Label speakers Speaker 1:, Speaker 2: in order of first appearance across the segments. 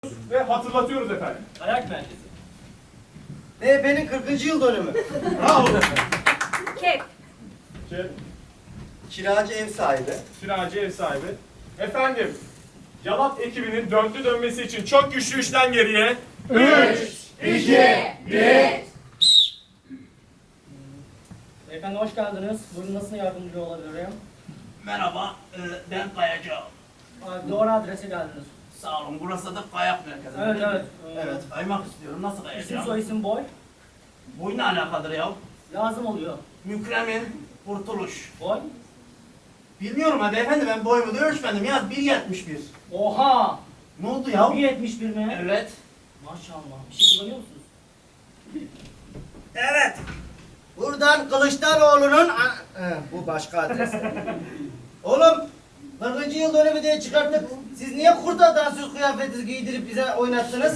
Speaker 1: ve hatırlatıyoruz efendim.
Speaker 2: Ayak merkezi.
Speaker 3: MHP'nin 40. yıl dönümü.
Speaker 1: Bravo.
Speaker 4: Kep.
Speaker 3: Kiracı ev sahibi.
Speaker 1: Kiracı ev sahibi. Efendim, Yalat ekibinin dörtlü dönmesi için çok güçlü üçten geriye.
Speaker 4: 2, 1.
Speaker 2: Beyefendi hoş geldiniz. Buyurun nasıl yardımcı olabilirim?
Speaker 5: Merhaba, ben Kayacağım.
Speaker 2: Doğru adrese geldiniz.
Speaker 5: Sağ olun, burası da kayak merkezi.
Speaker 2: Evet, evet.
Speaker 5: Evet, kaymak istiyorum. Nasıl
Speaker 2: İsim
Speaker 5: kayacağım?
Speaker 2: soy isim boy.
Speaker 5: Boy ne alakadır ya?
Speaker 2: Lazım oluyor.
Speaker 5: Mükremin Kurtuluş.
Speaker 2: Boy.
Speaker 5: Bilmiyorum ha beyefendi, ben boyumu da ölçmedim. Yaz 1.71.
Speaker 2: Oha!
Speaker 5: Ne oldu ya?
Speaker 2: 1.71 mi?
Speaker 5: Evet.
Speaker 2: Maşallah. Bir şey kullanıyor musunuz?
Speaker 5: Evet.
Speaker 3: Buradan Kılıçdaroğlu'nun... bu başka adres. Oğlum, 40. yıl dönümü diye çıkarttık. Siz niye kurda dansöz kıyafeti giydirip bize oynattınız?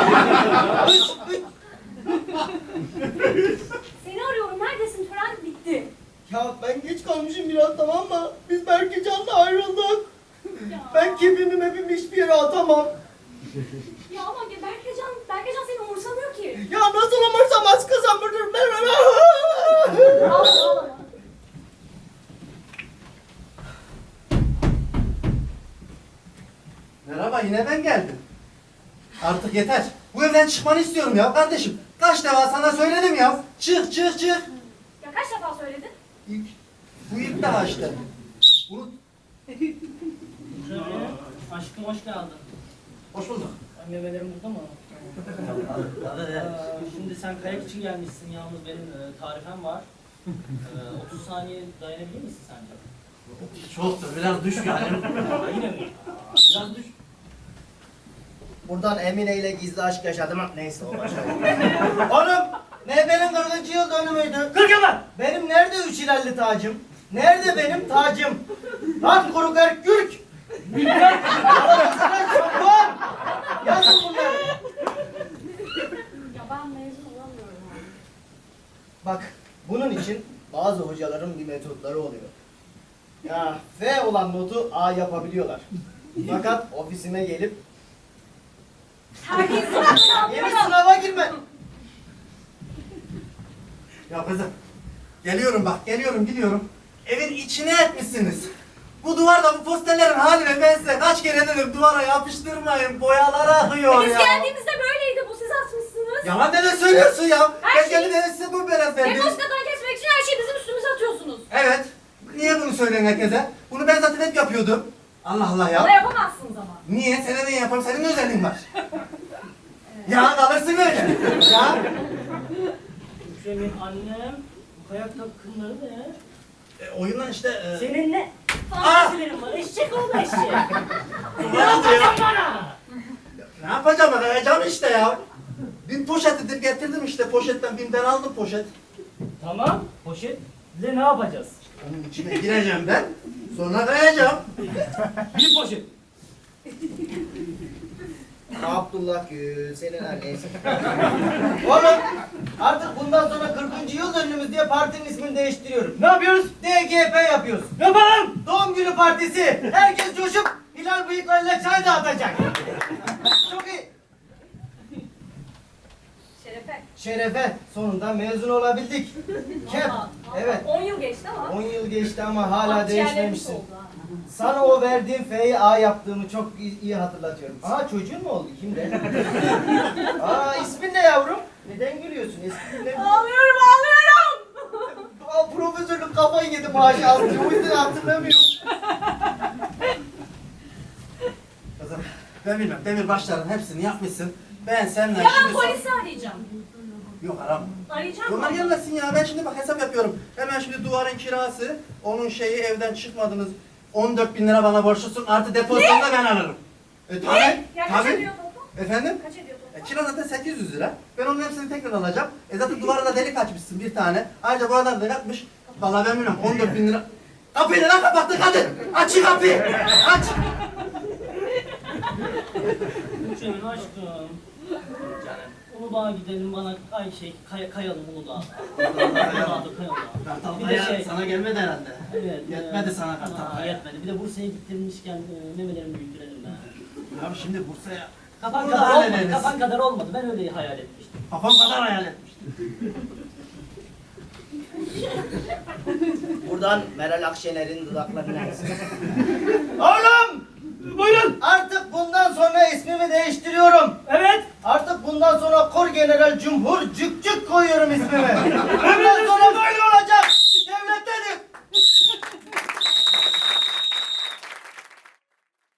Speaker 4: Seni arıyorum. Neredesin? Tören bitti.
Speaker 3: Ya ben geç kalmışım biraz, tamam mı? Biz Berkecan'la ayrıldık.
Speaker 4: Ya.
Speaker 3: Ben kepimi hiçbir yere atamam.
Speaker 4: Ya ama Berkecan seni umursamıyor ki.
Speaker 3: Ya nasıl umursamaz kızım?
Speaker 4: Ağlama.
Speaker 5: Merhaba, yine ben geldim. Artık yeter. Bu evden çıkmanı istiyorum ya kardeşim. Kaç defa sana söyledim ya. Çık, çık, çık.
Speaker 4: Ya kaç defa söyledin?
Speaker 5: İlk. Bu ilk daha işte. Unut.
Speaker 2: Şöyle. Aşkım hoş geldin.
Speaker 5: Hoş bulduk.
Speaker 2: Meyvelerim burada mı? Şimdi sen kayak için gelmişsin. Yalnız benim tarifem var. 30 saniye dayanabilir misin sence?
Speaker 5: Çoktur, biraz düş yani.
Speaker 2: Yine mi?
Speaker 5: Biraz düş.
Speaker 3: Buradan Emine ile gizli aşk yaşadım. Neyse o başka. Oğlum, MHP'nin 40. yıl dönümüydü.
Speaker 2: 40 yıl lan!
Speaker 3: Benim nerede üç ilerli tacım? Nerede benim tacım? Lan kuru gürk! Yazın bunları.
Speaker 4: Ya ben mezun olamıyorum abi.
Speaker 3: Bak, bunun için bazı hocaların bir metotları oluyor. Ya F olan notu A yapabiliyorlar. Fakat ofisime gelip
Speaker 4: Terbiyesiz
Speaker 3: yeni sınava girme.
Speaker 5: Ya kızım, geliyorum bak, geliyorum, gidiyorum. Evin içine etmişsiniz. Bu duvarda bu posterlerin haline ben size kaç kere dedim duvara yapıştırmayın, boyalar akıyor
Speaker 4: Biz
Speaker 5: ya.
Speaker 4: geldiğimizde böyleydi. Bu siz atmışsınız.
Speaker 5: Yalan ne söylüyorsun ya?
Speaker 4: Her
Speaker 5: Ben geldim eve size bu biraz verdim.
Speaker 4: Demoskadan kesmek için her şeyi bizim üstümüze atıyorsunuz.
Speaker 5: Evet. Niye bunu söyleyin herkese? Bunu ben zaten hep yapıyordum. Allah Allah ya.
Speaker 4: Bana yapamazsınız ama.
Speaker 5: Niye? Sana niye yaparım? Senin özelliğin var. Ya kalırsın öyle. Ya.
Speaker 2: Mükremin annem. Bu kayak takımları ne?
Speaker 5: Oyundan işte...
Speaker 2: Senin ne? Fantasilerin var. Eşek oldu eşek. Ne yapacaksın bana?
Speaker 5: Ne yapacağım ben? Kayacağım işte ya. Bir poşet getirdim işte. Poşetten BİM'den aldım poşet.
Speaker 2: Tamam. Poşetle ne yapacağız?
Speaker 5: Onun içine gireceğim ben. Sonra kayacağım.
Speaker 2: Bir poşet.
Speaker 3: Abdullah Gül, senin annesi. Oğlum, artık bundan sonra 40. yıl dönümümüz diye partinin ismini değiştiriyorum.
Speaker 2: Ne yapıyoruz?
Speaker 3: DGP yapıyoruz.
Speaker 2: Yapalım.
Speaker 3: Doğum günü partisi. Herkes coşup Hilal bıyıklarıyla çay dağıtacak. Çok iyi.
Speaker 4: Şerefe.
Speaker 3: Şerefe, sonunda mezun olabildik. Kep,
Speaker 4: Vallahi.
Speaker 3: evet.
Speaker 4: 10 yıl geçti ama.
Speaker 3: 10 yıl geçti ama hala
Speaker 4: Akciğerlerimiz
Speaker 3: değişmemişsin.
Speaker 4: oldu ha.
Speaker 3: Sana o verdiğim F'yi A yaptığımı çok iyi hatırlatıyorum. Aa, çocuğun mu oldu? Kimde? Aa, ismin ne yavrum? Neden gülüyorsun? Eski günler...
Speaker 4: Ağlıyorum.
Speaker 3: Aa, profesörlük kafayı yedi maaşı aldı. O yüzden hatırlamıyorum.
Speaker 5: Kızım ben bilmem. Demirbaşların hepsini yapmışsın. Ben senden
Speaker 4: Ya ben
Speaker 5: şimdi...
Speaker 4: polisi arayacağım.
Speaker 5: Yok aram.
Speaker 4: Arayacağım
Speaker 5: Onlar
Speaker 4: mı?
Speaker 5: gelmesin ya. Ben şimdi bak hesap yapıyorum. Hemen şimdi duvarın kirası, onun şeyi evden çıkmadınız. 14.000 lira bana borçlusun. Artı depozitonu da ben alırım. Tabii.
Speaker 4: Ya kaç
Speaker 5: Tabii.
Speaker 4: ediyor toplam?
Speaker 5: Efendim?
Speaker 4: Kaç ediyor toplam?
Speaker 5: Kira zaten 800 lira. Ben onun hepsini tekrar alacağım. Zaten duvara da delik açmışsın bir tane. Ayrıca buralar da yapmış. Vallahi ben bilmiyorum 14.000 lira. Kapıyı neden kapattın kadın? Aç şu kapıyı. Aç.
Speaker 2: Mükremin aşkım. Uludağ'a gidelim bana kayalım Uludağ'a. Uludağ'da kayalım. Bir de şey.
Speaker 5: Sana gelmedi herhalde.
Speaker 2: Evet.
Speaker 5: Yetmedi sana kartal.
Speaker 2: Yetmedi. Bir de Bursa'ya gittirmişken memelerimi büyüttürelim ben.
Speaker 5: Abi şimdi Bursa'ya
Speaker 2: Kafan
Speaker 5: Burada
Speaker 2: kadar olmadı.
Speaker 5: hallederiz.
Speaker 2: Kafan kadar olmadı. Ben öyle hayal etmiştim.
Speaker 5: Kafam kadar hayal etmiştim.
Speaker 3: Buradan Meral Akşener'in dudaklarına Oğlum!
Speaker 1: Buyurun.
Speaker 3: Artık bundan sonra ismimi değiştiriyorum.
Speaker 1: Evet.
Speaker 3: Artık bundan sonra Kor General Cumhur Cükcük koyuyorum ismime.